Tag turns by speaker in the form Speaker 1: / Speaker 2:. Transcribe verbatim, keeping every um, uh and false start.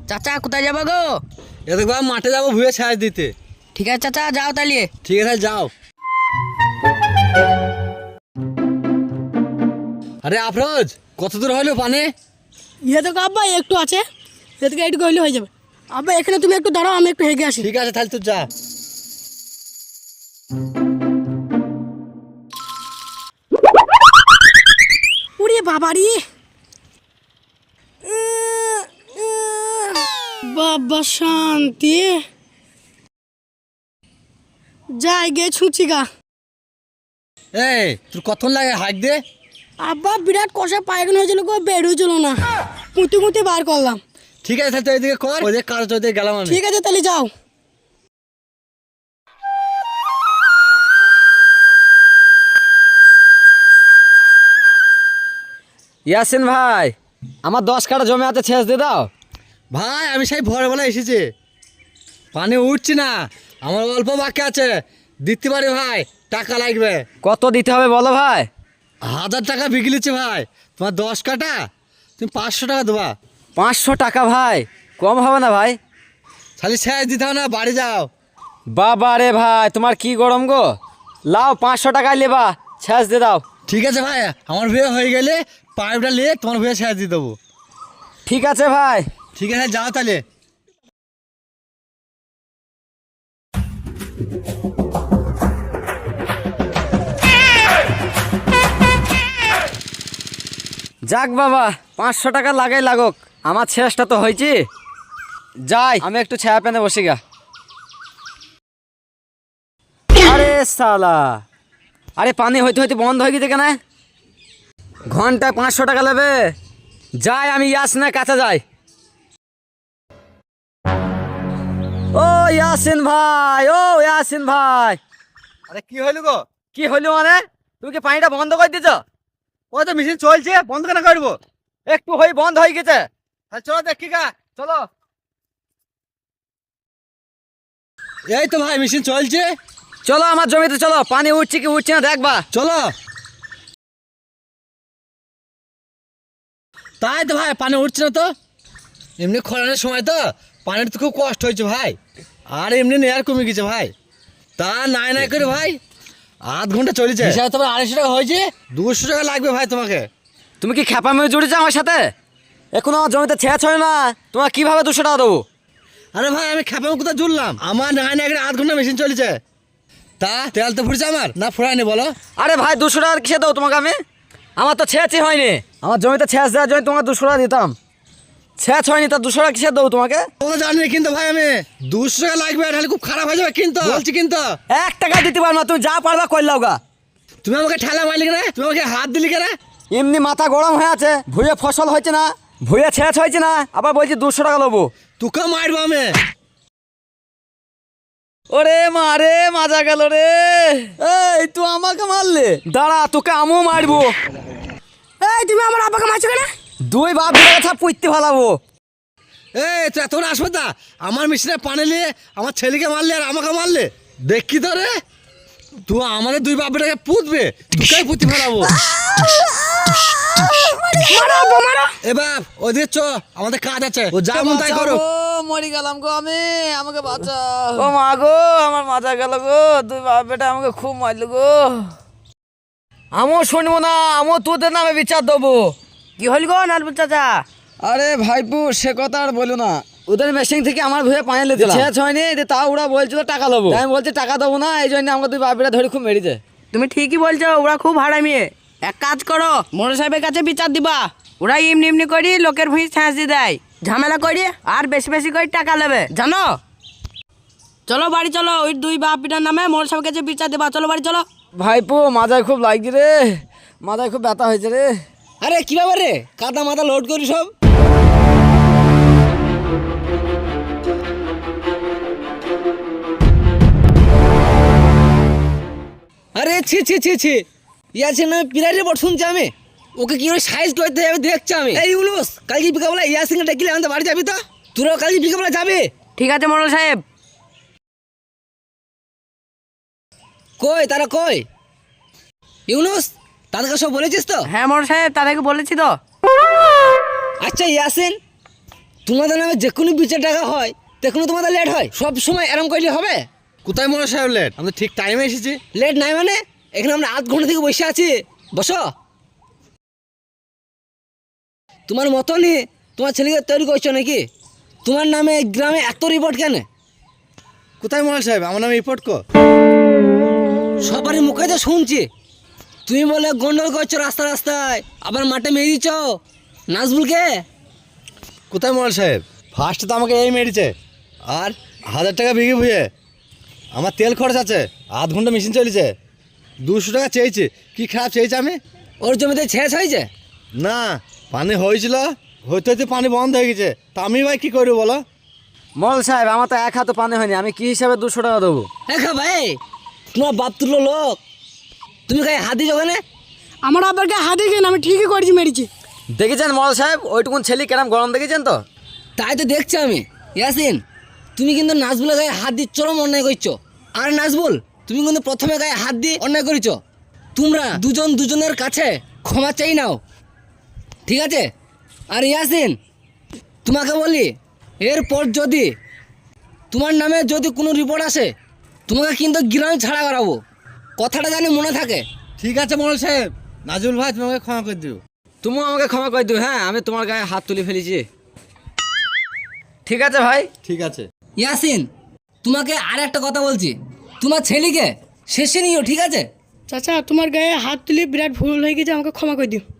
Speaker 1: চাচা কোথায় যাবো গো?
Speaker 2: এ দেখো মাঠে যাবো ভুয়ে ছাঁচ দিতে।
Speaker 1: ঠিক আছে চাচা, যাও তাহলে।
Speaker 2: ঠিক আছে যাও। আরে আফরোজ, কত দূর হলো পানি?
Speaker 3: ইয়ে দেখো আব্বা একটু আছে, এদিকে একটু গইলে হয়ে যাবে। আব্বা এখানে তুমি একটু দাঁড়াও, আমি একটু হেগে আসি।
Speaker 2: ঠিক আছে তাহলে তুই যা।
Speaker 3: উড়ে বাবারি, বাবা শান্তি। যাই গে ছুঁচি গা।
Speaker 2: এই তোর কতক্ষণ লাগে হাইক দে?
Speaker 3: আব্বা বিরাট কষা পায়খানা হয়েছিল গো, বেরোছিল না, কুঁতি কুঁতি বার করলাম।
Speaker 2: ঠিক আছে তাহলে তুই এদিকে কর, ওই যে কাজ ওইদিকে গেলাম আমি।
Speaker 3: ঠিক আছে তাহলে যাও।
Speaker 4: ইয়াসিন ভাই, আমার দশ কাটা জমি আছে, ছেঁচ দিয়ে দাও।
Speaker 2: ভাই আমি সেই ভোরবেলা এসেছি, পানি উঠছি না, আমার অল্প বাকি আছে, দিতে পারি ভাই, টাকা লাগবে।
Speaker 4: কত দিতে হবে বলো ভাই?
Speaker 2: হাজার টাকা বিক্রি নিচ্ছে ভাই, তোমার দশ কাটা তুমি পাঁচশো টাকা দেবা।
Speaker 4: পাঁচশো টাকা ভাই, কম হবে না ভাই?
Speaker 2: খালি ছেঁচ দিতে হবে না, বাড়ি যাও।
Speaker 4: বাবা রে ভাই, তোমার কি গরম গো, লাও পাঁচশো টাকায় লেবা, ছেঁচ দিয়ে দাও।
Speaker 2: ঠিক আছে ভাই, আমার বিয়ে হয়ে গেলে পাইপটা নিয়ে তোমার বিয়ে ছেঁচ দিয়ে দেবো।
Speaker 4: ঠিক আছে ভাই।
Speaker 2: ঠিক আছে যাও তাহলে।
Speaker 4: যাক বাবা, পাঁচশো টাকা লাগাই লাগুক, আমার ছেঁচটা তো হয়েছি। যাই আমি একটু ছায়া পেনে বসি গা। আরে সালা, আরে পানি হইতে হইতে বন্ধ হয়ে গেছে কেন? ঘন্টায় পাঁচশো টাকা নেবে। যাই আমি ইয়াসিনের কাছে যাই। ও ইয়াসিন ভাই, ও ইয়াসিন ভাই।
Speaker 2: আরে কি হইল গো?
Speaker 4: কি হইলো মানে? তুমি কি পানিটা বন্ধ করে দিছ?
Speaker 2: ওই তো মেশিন চলছে, বন্ধ কেন করবো?
Speaker 4: একটু হই বন্ধ হয়ে গেছে।
Speaker 2: তাহলে চলো দেখি গা।
Speaker 4: চলো।
Speaker 2: এই তো ভাই মেশিন চলছে,
Speaker 4: চলো আমার জমিতে চলো, পানি উঠছে কি উঠছে না দেখবা।
Speaker 2: চলো। তাই তো ভাই পানি উঠছে না তো, এমনি খরানোর সময় তো পানির তো খুব কষ্ট হয়েছে ভাই, আর এমনি নেয়ার কমে গেছে ভাই। তা নাই নাই করে ভাই আধ ঘন্টা চলেছে, হিসাবে তোমার আড়াইশো টাকা হয়েছে, দুশো টাকা লাগবে ভাই তোমাকে।
Speaker 4: তুমি কি খেপা মেয়ে জুড়েছো আমার সাথে? এখন আমার জমিতে ছেঁচ হয় না, তোমার কিভাবে দুশো টাকা দেবো?
Speaker 2: আরে ভাই আমি খেপে কোথায় জুড়লাম, আমার নাই নাই করে আধ ঘন্টা মেশিন চলেছে। তা তেল তো ফুটছে আমার, না ফুরায়নি বলো?
Speaker 4: আরে ভাই দুশো টাকা কিসে দেবো তোমাকে আমি? আমার তো ছেঁচই হয়নি, আমার জমিতে ছেঁচ দেওয়ার জন্য তোমাকে দুশো টাকা দিতাম, ছেঁচ হয়নি, তা দুশো টাকা কিসে দেবো তোমাকে?
Speaker 2: তোমরা জানি কিন্তু ভাই আমি দুশো টাকা লাগবে, তাহলে খুব খারাপ হয়ে যাবে কিন্তু বলছি কিন্তু।
Speaker 4: এক টাকা দিতে পারবো না, তুমি যা পারবা করলাও গা।
Speaker 2: তুমি আমাকে ঠেলা মারলি কেন, তুমি আমাকে হাত দিলি কেন?
Speaker 4: এমনি মাথা গরম হয়ে আছে, ভুঁয়ে ফসল হয়েছে না, ভুঁয়ে ছেঁচ হয়েছে না, আবার বলছি দুশো টাকা নেবো।
Speaker 2: তোকে মারবো আমি।
Speaker 4: ওরে মারে মাজা গেল রে। এই তুই আমাকে মারলে, দাঁড়া তোকে আমিও মারবো।
Speaker 3: এই তুমি আমার আব্বাকে মারছো কেন?
Speaker 4: দুই বাপ কথা পুইতে ভালাবো।
Speaker 2: এই তুই এত আসবে তা আমার মেশিনে পানি নিয়ে আমার ছেলেকে মারলে আর আমাকে মারলে, দেখি তো রে তুই আমাদের দুই বাপটাকে পুতবে, তোকে পুঁতি ফেলাবো। এ বাপ ওদের চ, আমাদের কাজ আছে, ও যা মন তাই করো।
Speaker 4: মরি গেলাম গো আমি, আমাকে বাঁচাও। ও মা গো, আমার মাজা গেল গো, দুই বাপ বেটা আমাকে খুব মারলো গো। আমিও শুনবো না, আমিও তোদের নামে বিচার দেবো।
Speaker 1: কি হল গো নালবুল চাচা?
Speaker 4: আরে ভাইপু সে কথা আর বলো না, ওদের মেশিন থেকে আমার ভুয়ে পানি লেতে ছেঁচ হয়নি, তা ওরা বলছিল টাকা দেবো, আমি বলছি টাকা দেবো না, এই জন্য আমাকে দুই বাপিরা ধরে খুব মেরেছে।
Speaker 1: তুমি ঠিকই বলছো, ওরা খুব হারামি। এক কাজ করো, মোড়ল সাহেবের কাছে বিচার দিবা। ওরা এমনি এমনি করি লোকের ভুঁই ছাঁচ দিয়ে দেয়, ঝামেলা করি আর বেশি বেশি করে টাকা নেবে জানো। চলো বাড়ি চলো, ওই দুই বাপ পিটার নামে মোড়ল সাহেবের কাছে বিচার দিবা। চলো বাড়ি চলো।
Speaker 4: ভাইপু মাথায় খুব লাগছে রে, মাথায় খুব ব্যথা হয়েছে রে।
Speaker 2: আরে কি ব্যাপার রে, কাদা মাথা লোড করি সব? আরে ছি ছি ছি ছি, ইয়াসিন নামে পিলারে বট শুনছি আমি, ওকে কি করে সাইজ করতে যাবে দেখছি আমি। এই ইউনুস, কালকে বিকাবেলা ইয়াসিনকে ডেকে আমাদের বাড়ি যাবি তো? তোরাও কালকে বিকাবেলা যাবে?
Speaker 1: ঠিক আছে মোড়ল সাহেব।
Speaker 2: কই তারা কই? ইউনুস তাদেরকে সব বলেছিস তো?
Speaker 1: হ্যাঁ মোড়ল সাহেব, তাদেরকে বলেছি তো।
Speaker 2: আচ্ছা ইয়াসিন, তোমাদের নামে যে কোনো বিচার টাকা হয় তখন তোমাদের লেট হয়, সব সময় এরম করলে হবে?
Speaker 5: কোথায় মোড়ল সাহেব লেট? আমি তো ঠিক টাইমে এসেছি।
Speaker 2: লেট নাই মানে এখানে আমরা আধ ঘন্টা থেকে বসে আছি, বসো। তোমার মতনই তোমার ছেলেকে তৈরি করছো নাকি? তোমার নামে এই গ্রামে এত রিপোর্ট কেন?
Speaker 5: কোথায় মোড়ল সাহেব? আমার নামে রিপোর্ট কো।
Speaker 2: সবারই মুখে তো শুনছি তুমি বলে গন্ডল করছো রাস্তা রাস্তায়, আবার মাঠে মেরে দিচ্ছ নাজবুলকে।
Speaker 5: কোথায় মোড়ল সাহেব? ফার্স্ট তো আমাকে এই মেরেছে, আর হাজার টাকা বিঘে ভুয়ে আমার তেল খরচ আছে, আধ ঘন্টা মেশিন চলেছে, দুশো টাকা চেয়েছি। কি খারাপ চেয়েছি আমি?
Speaker 2: ওর জমিতে ছেঁচ হয়েছে?
Speaker 5: না, পানি হয়েছিল, হইতে হইতে পানি বন্ধ হয়ে গেছে, তা আমি ভাই কী করবো বলো?
Speaker 4: মোড়ল সাহেব আমার তো এক হাতে পানি হয়নি, আমি কি হিসাবে দুশো টাকা দেবো?
Speaker 2: দেখা ভাই তোমার বাপ তুললো লোক, তুমি গায়ে হাত দিছো ওখানে?
Speaker 3: আমার আব্বার গায়ে হাত দিয়েছেন, আমি ঠিকই করেছি, মেরেছি।
Speaker 4: দেখেছেন মোড়ল সাহেব ওইটুকুন ছেলে কেরাম গরম দেখেছেন তো?
Speaker 2: তাই তো দেখছি আমি। ইয়াসিন তুমি কিন্তু নাজবুলের গায়ে হাত দিয়ে চরম অন্যায় করছো, আর নাজবুল তুমি কিন্তু প্রথমে গায়ে হাত দিয়ে অন্যায় করেছো। তোমরা দুজন দুজনের কাছে ক্ষমা চাই নাও, ঠিক আছে? আর ইয়াসিন তোমাকে বলি, এরপর যদি তোমার নামে যদি কোনো রিপোর্ট আসে তোমাকে কিন্তু গ্রাম ছাড়া করাবো, কথাটা জানি মনে থাকে।
Speaker 5: ঠিক আছে মোড়ল সাহেব, নাজুল ভাই তোমাকে ক্ষমা করে দিও।
Speaker 4: তুমিও আমাকে ক্ষমা করে দিও। হ্যাঁ আমি তোমার গায়ে হাত তুলে ফেলেছি। ঠিক আছে ভাই।
Speaker 5: ঠিক আছে।
Speaker 2: ইয়াসিন তোমাকে আর একটা কথা বলছি, তোমার ছেলেকে শেষে নিও, ঠিক আছে?
Speaker 3: চাচা তোমার গায়ে হাত তুলে বিরাট ভুল হয়ে গেছে, আমাকে ক্ষমা করে দিও।